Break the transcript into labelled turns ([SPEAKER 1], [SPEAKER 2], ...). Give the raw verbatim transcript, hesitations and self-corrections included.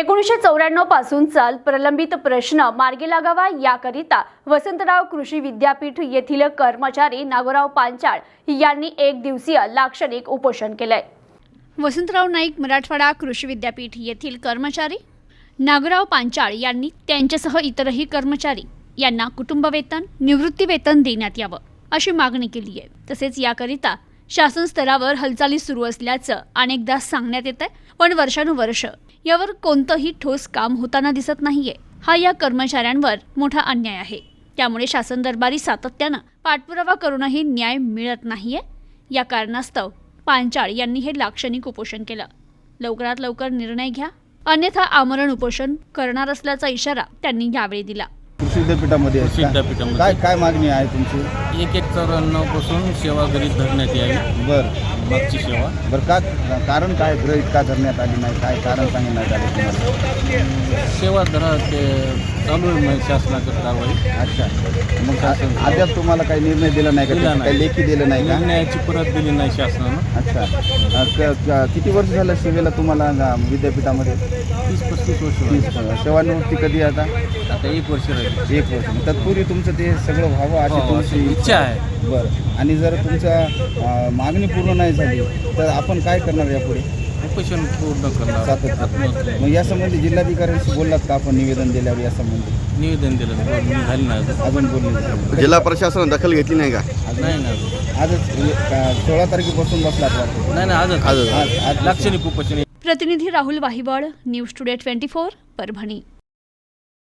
[SPEAKER 1] एकोणीसशे चौऱ्याण्णव पासून चाल प्रलंबित प्रश्न मार्गी लागावा याकरिता वसंतराव कृषी विद्यापीठ येथील कर्मचारी नागोराव पांचाळ यांनी एक दिवसीय लाक्षणिक उपोषण केलंय। वसंतराव नाईक मराठवाडा कृषी विद्यापीठ येथील कर्मचारी नागोराव पांचाळ यांनी त्यांच्यासह इतरही कर्मचारी यांना कुटुंब वेतन, निवृत्ती वेतन देण्यात यावं अशी मागणी केली आहे। तसेच याकरिता शासन स्तरावर हालचाली सुरू असल्याचं अनेकदा सांगण्यात येत आहे, पण वर्षानुवर्ष यावर कोणतंही ठोस काम होताना दिसत नाहीये। हा या कर्मचाऱ्यांवर मोठा अन्याय आहे। त्यामुळे शासन दरबारी सातत्यानं पाठपुरावा करूनही न्याय मिळत नाहीये। या कारणास्तव पांचाळ यांनी हे लाक्षणिक उपोषण केलं। लवकरात लवकर निर्णय घ्या, अन्यथा आमरण उपोषण करणार असल्याचा इशारा त्यांनी यावेळी दिला।
[SPEAKER 2] कृषी विद्यापीठामध्ये
[SPEAKER 3] कृषी विद्यापीठामध्ये
[SPEAKER 2] काय काय मागणी आहे तुमची?
[SPEAKER 3] एक एक चौऱ्याण्णव पासून सेवा गरीब धरण्यात यावी।
[SPEAKER 2] बरं
[SPEAKER 3] मागची सेवा
[SPEAKER 2] बरं का कारण काय गृहीत का धरण्यात आली नाही, काय कारण सांगण्यात आले तुम्हाला?
[SPEAKER 3] सेवा धरा ते चालू आहे म्हणजे शासनाची कारवाई।
[SPEAKER 2] अच्छा, मग आ- अद्याप तुम्हाला काही निर्णय दिला नाही
[SPEAKER 3] दिला
[SPEAKER 2] का?
[SPEAKER 3] नाही.
[SPEAKER 2] काही लेखी दिलं नाही का?
[SPEAKER 3] निर्णयाची परत दिली नाही शासनानं।
[SPEAKER 2] अच्छा, अ, क- क- किती वर्ष झालं सेवेला तुम्हाला अ, विद्यापीठामध्ये?
[SPEAKER 3] तीस पस्तीस वर्ष
[SPEAKER 2] तीस
[SPEAKER 3] झाली।
[SPEAKER 2] सेवानिवृत्ती कधी आता?
[SPEAKER 3] आता एक वर्ष राहील।
[SPEAKER 2] एक वर्ष मग तत्पूर्वी तुमचं ते सगळं व्हावं अशी
[SPEAKER 3] हो, अशी
[SPEAKER 2] तुमची
[SPEAKER 3] इच्छा आहे।
[SPEAKER 2] बरं, आणि जर तुमच्या अ, मागणी पूर्ण नाही झाली तर आपण काय करणार यापुढे?
[SPEAKER 3] उपोषण पूर्ण करणार।
[SPEAKER 2] सातत्य मग यासंबंधी जिल्हाधिकाऱ्यांशी बोललात का आपण निवेदन दिल्यावर यासंबंधी?
[SPEAKER 3] निवेदन दिलं झालं नाही अजून।
[SPEAKER 2] अजून बोलले नाही.
[SPEAKER 4] जिल्हा प्रशासनाने दखल घेतली नाही का?
[SPEAKER 3] नाही ना अजून।
[SPEAKER 2] आजच अ, सोळा तारखेपासून बसलात वाटतं.
[SPEAKER 3] नाही नाही आजच
[SPEAKER 4] आजच.
[SPEAKER 2] आज आज
[SPEAKER 3] लाक्षणिक उपोषण।
[SPEAKER 1] प्रतिनिधी Rahul Wahiwal, news today twenty four, Parbhani.